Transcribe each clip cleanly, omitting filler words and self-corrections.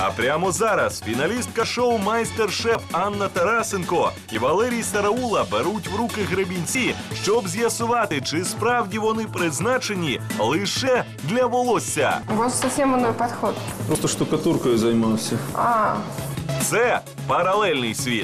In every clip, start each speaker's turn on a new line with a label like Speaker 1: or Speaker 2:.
Speaker 1: А прямо зараз фіналістка шоу «Майстер-шеф» Анна Тарасенко і Валерій Сараула беруть в руки гребінці, щоб з'ясувати, чи справді вони призначені лише для волосся.
Speaker 2: У вас зовсім іной підход.
Speaker 3: Просто штукатуркою займався.
Speaker 1: Це паралельний світ.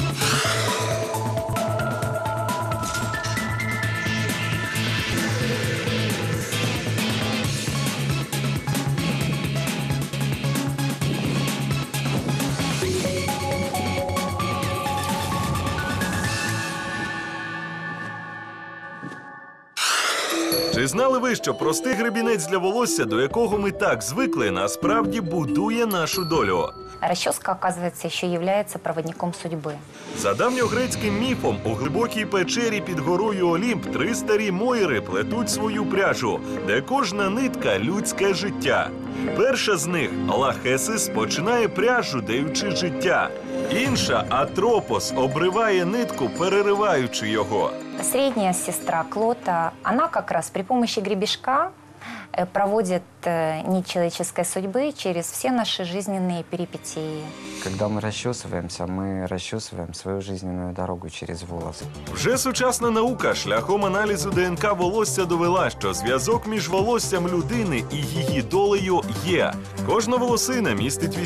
Speaker 1: Чи знали ви, що простий гребінець для волосся, до якого ми так звикли, насправді будує нашу долю?
Speaker 4: Расческа, оказывается, еще является проводником судьбы.
Speaker 1: За давньогрецьким міфом, у глибокій печері під горою Олімп 3 старі Мойри плетуть свою пряжу, де кожна нитка – людське життя. Перша з них, Лахесис, починає пряжу, даючи життя. Інша, Атропос, обриває нитку, перериваючи його.
Speaker 4: Средняя сестра Клота, она как раз при помощи гребешка проводит нить человеческой судьбы через все наши жизненные перипетии.
Speaker 5: Когда мы расчесываем свою жизненную дорогу через волосы.
Speaker 1: Вже сучасна наука шляхом аналізу ДНК волосся довела, що зв'язок між волоссям людини і її долею є. Кожна волосина містить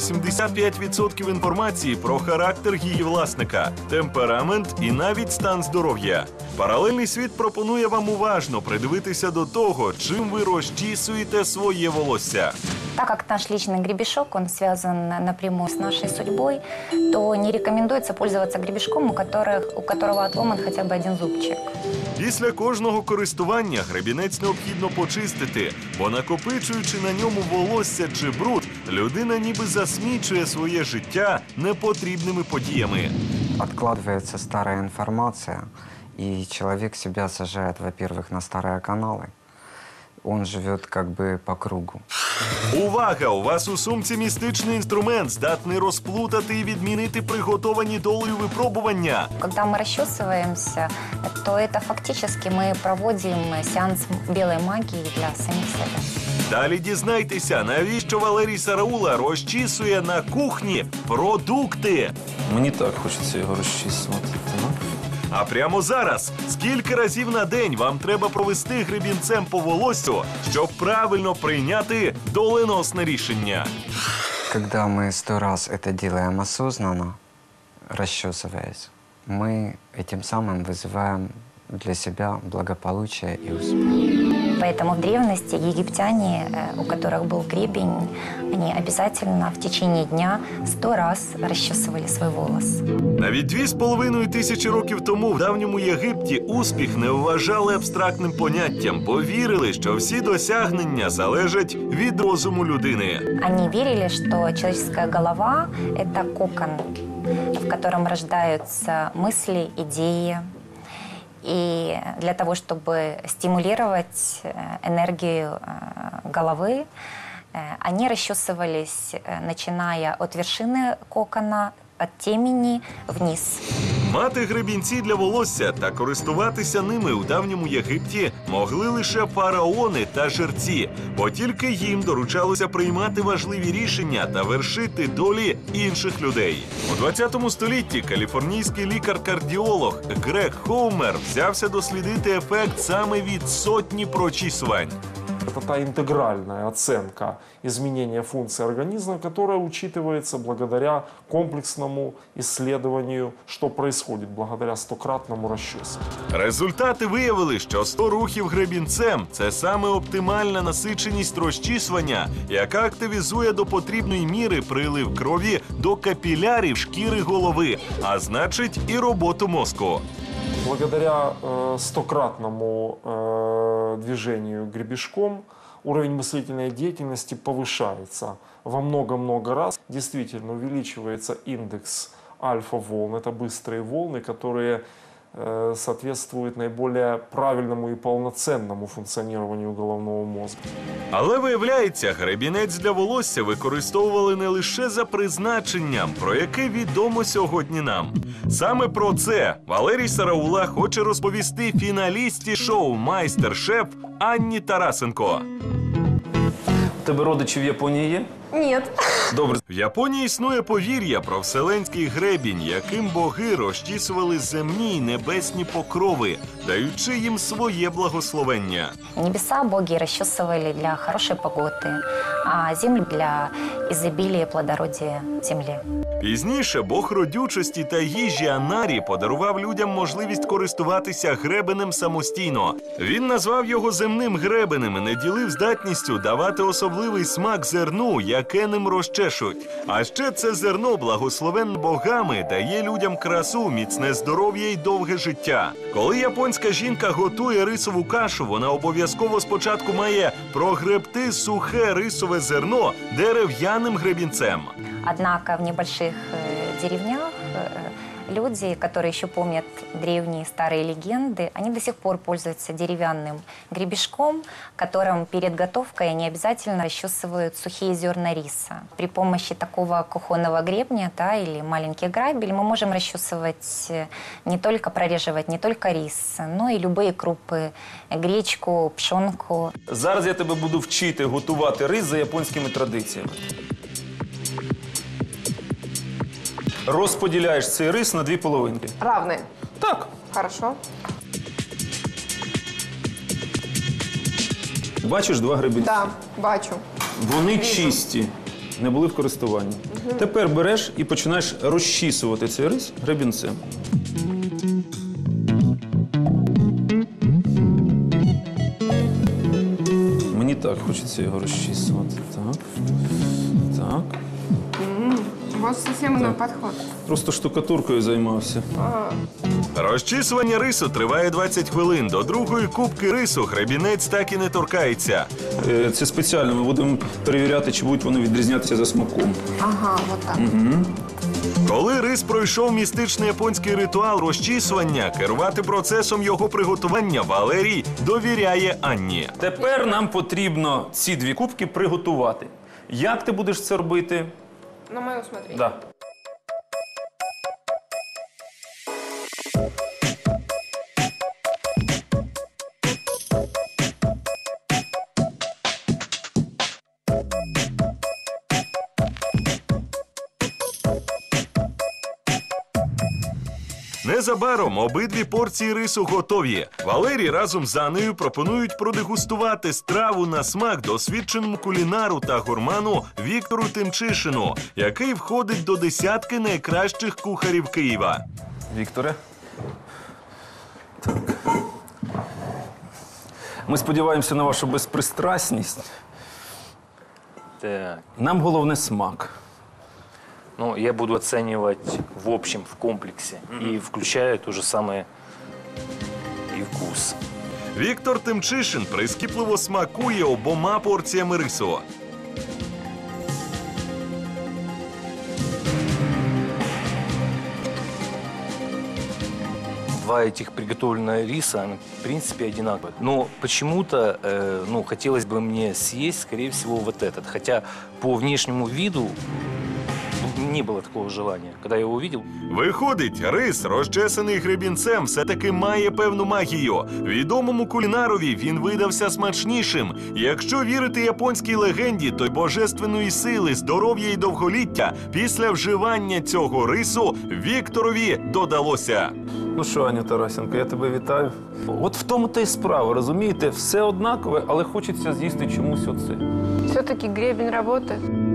Speaker 1: 85% інформації про характер її власника, темперамент і навіть стан здоров'я. Паралельний світ пропонує вам уважно придивитися до того, чим ви розчісуєте своє волосся.
Speaker 4: Так как наш личный гребешок, он связан напрямую с нашей судьбой, то не рекомендуется пользоваться гребешком, у которого отломан хотя бы один зубчик.
Speaker 1: Після кожного користування гребінець необхідно почистити, бо накопичуючи на ньому волосся чи бруд, людина ніби засмічує своє життя непотрібними подіями.
Speaker 5: Откладывается старая информация, и человек себя сажает, во-первых, на старые каналы. Он живет как бы по кругу.
Speaker 1: Увага! У вас у сумці містичний інструмент, здатний розплутати і відмінити приготовані долею випробування.
Speaker 4: Когда мы расчесываемся, то это фактически мы проводим сеанс белой магии для самих себя.
Speaker 1: Далі дізнайтеся, навіщо Валерій Сараула розчісує на кухні продукти.
Speaker 3: Мені так хочеться його розчісувати.
Speaker 1: А прямо зараз, скільки разів на день вам треба провести гребінцем по волоссю, щоб правильно прийняти доленосне рішення?
Speaker 5: Когда мы 100 раз это делаем осознанно, расчесываясь, мы этим самым вызываем для себя благополучие и успех.
Speaker 4: Поэтому в древности египтяне, у которых был гребень, они обязательно в течение дня 100 раз расчесывали свой волос.
Speaker 1: Навіть 2500 років тому в давньому Єгипті успіх не вважали абстрактним поняттям, бо вірили, що всі досягнення залежать від розуму людини.
Speaker 4: Они верили, что человеческая голова – это кокон, в котором рождаются мысли, идеи. И для того, чтобы стимулировать энергию головы, они расчесывались, начиная от вершины кокона, от темени вниз.
Speaker 1: Мати гребінці для волосся та користуватися ними у давньому Єгипті могли лише фараони та жерці, бо тільки їм доручалося приймати важливі рішення та вершити долі інших людей. У 20 столітті каліфорнійський лікар-кардіолог Грег Хоумер взявся дослідити ефект саме від сотні прочісувань.
Speaker 6: Это та интегральная оценка изменения функции организма, которая учитывается благодаря комплексному исследованию, что происходит благодаря 100-кратному расчесу.
Speaker 1: Результати виявили, що 100 рухів гребінцем – це саме оптимальна насиченість розчісування, яка активізує до потрібної міри прилив крові до капілярів шкіри голови, а значить і роботу мозку.
Speaker 6: Благодаря 100-кратному движению гребешком уровень мыслительной деятельности повышается во много-много раз. Действительно увеличивается индекс альфа-волн. Это быстрые волны, которые соответствуют наиболее правильному и полноценному функціонуванню головного мозку.
Speaker 1: Але виявляється, гребінець для волосся використовували не лише за призначенням, про яке відомо сьогодні нам. Саме про це Валерій Сараула хоче розповісти фіналісті шоу «Майстер-шеф» Анні Тарасенко.
Speaker 3: У тебе родичі в Японії є?
Speaker 2: Нет.
Speaker 3: Добре.
Speaker 1: В Японії існує повір'я про вселенський гребінь, яким боги розчісували земні й небесні покрови, даючи їм своє благословення.
Speaker 4: Небеса боги расчесывали для хорошей погоды, а землю для изобилия и плодородия земли.
Speaker 1: Пізніше бог родючості та їжі Анарі подарував людям можливість користуватися гребенем самостійно. Він назвав його земним гребенем і не ділив здатністю давати особливий смак зерну, яке ним розчешуть. А ще це зерно, благословенне богами, дає людям красу, міцне здоров'я й довге життя. Коли японська жінка готує рисову кашу, вона обов'язково спочатку має прогребти сухе рисове зерно дерев'яним гребінцем.
Speaker 4: Однако в небольших деревнях люди, которые еще помнят древние старые легенды, они до сих пор пользуются деревянным гребешком, которым перед готовкой они обязательно расчесывают сухие зерна риса. При помощи такого кухонного гребня, да, или маленьких грабель мы можем расчесывать прореживать не только рис, но и любые крупы, гречку, пшенку.
Speaker 3: Зараз я тебе буду вчити готувати рис за японськими традиціями. Розподіляєш цей рис на дві половинки.
Speaker 2: Равные.
Speaker 3: Так.
Speaker 2: Хорошо.
Speaker 3: Бачиш два гребінці?
Speaker 2: Да, бачу.
Speaker 3: Вони чисті, не були в користуванні. Тепер береш і починаєш розчісувати цей рис гребінцем. Мені так хочеться його розчісувати. Так. Так.
Speaker 2: У вас совсем иной подход.
Speaker 3: Просто штукатуркою займався.
Speaker 1: Розчісування рису триває 20 хвилин. До другої кубки рису гребінець так і не торкається.
Speaker 3: Це спеціально, ми будемо перевіряти, чи будуть вони відрізнятися за смаком.
Speaker 2: Ага, вот так.
Speaker 1: Коли рис пройшов містичний японський ритуал розчісування, керувати процесом його приготування Валерій довіряє Анні.
Speaker 3: Тепер нам потрібно ці дві кубки приготувати. Як ти будеш це робити?
Speaker 2: На мое усмотрение.
Speaker 3: Да.
Speaker 1: Незабаром обидві порції рису готові. Валерій разом з Анною пропонують продегустувати страву на смак досвідченому кулінару та гурману Віктору Тимчишину, який входить до десятки найкращих кухарів Києва.
Speaker 3: Вікторе. Так. Ми сподіваємося на вашу безпристрасність.
Speaker 7: Так,
Speaker 3: Нам головне смак.
Speaker 7: ну, я буду оценивать в общем, в комплексе, и включая то же самое и вкус.
Speaker 1: Віктор Тимчишин прискіпливо смакує обома порціями рису.
Speaker 7: Два этих приготовленных риса, они, в принципе, одинаковые. Но почему-то, хотелось бы мне съесть, скорее всего, вот этот. Хотя по внешнему виду не было такого желания. Когда я его увидел,
Speaker 1: Виходить, рис, розчесаний гребінцем, все-таки має певну магію. Відомому кулінарові він видався смачнішим. Якщо вірити японській легенді, то й божественної сили, здоров'я і довголіття після вживання цього рису Вікторові додалося.
Speaker 3: Ну що, Аню Тарасенко, я тебе вітаю. От в тому та й справа, розумієте? Все однакове, але хочеться з'їсти чомусь оце.
Speaker 2: Все-таки гребень работает.